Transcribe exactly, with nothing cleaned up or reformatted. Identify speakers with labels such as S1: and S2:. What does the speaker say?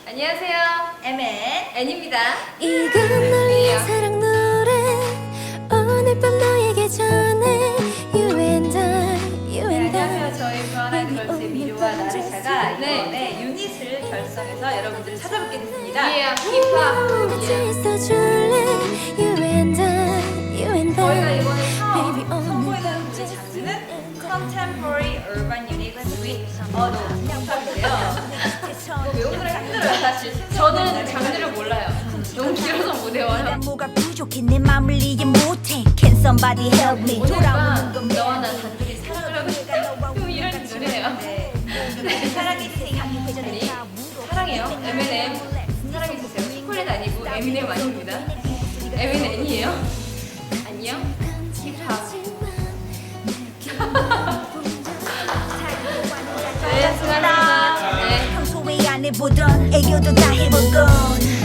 S1: 안녕하세요.
S2: 엠엔
S1: 앤입니다.
S3: 이건 널 위한 사랑 노래 오늘 밤 너에게 전해 You and I, You
S2: 네,
S3: and I
S2: 안녕하세요. 저희 브라나이걸스의 미루와 나르샤가
S1: 네.
S2: 이번에 유닛을 결성해서 여러분들을 찾아뵙게 됐습니다.
S1: 예, 힙합.
S3: 같이
S1: 예.
S3: 있어줄래 You and I, You and
S2: 저희가
S3: I
S2: 이번에
S3: Baby,
S2: 처음
S3: 오늘
S2: 선보이는 우리 장르는 Contemporary Urban Unit Suite 어도 힙합인데요. 외우느라 힘들어요 사실.
S1: 저는 장르를 몰라요. 너무 길어서 못 외워요.
S4: 뭐가 부족해 내 맘을 이해 못해 Can somebody help me
S1: 오늘
S4: 돌아오는
S1: 밤 너와 나 단둘이 사랑하고 싶다. 뭐 이런 노래예요.
S2: 네. 사랑이
S1: 아니, 사랑해요. 에미넴 사랑해주세요. 초콜릿 아니고 에미넴 아닙니다. 에미넴이에요. 안녕. 힙합. 네, 수고하셨습니다. 네.
S4: 평소에 안 해보던 애교도 다 해보곤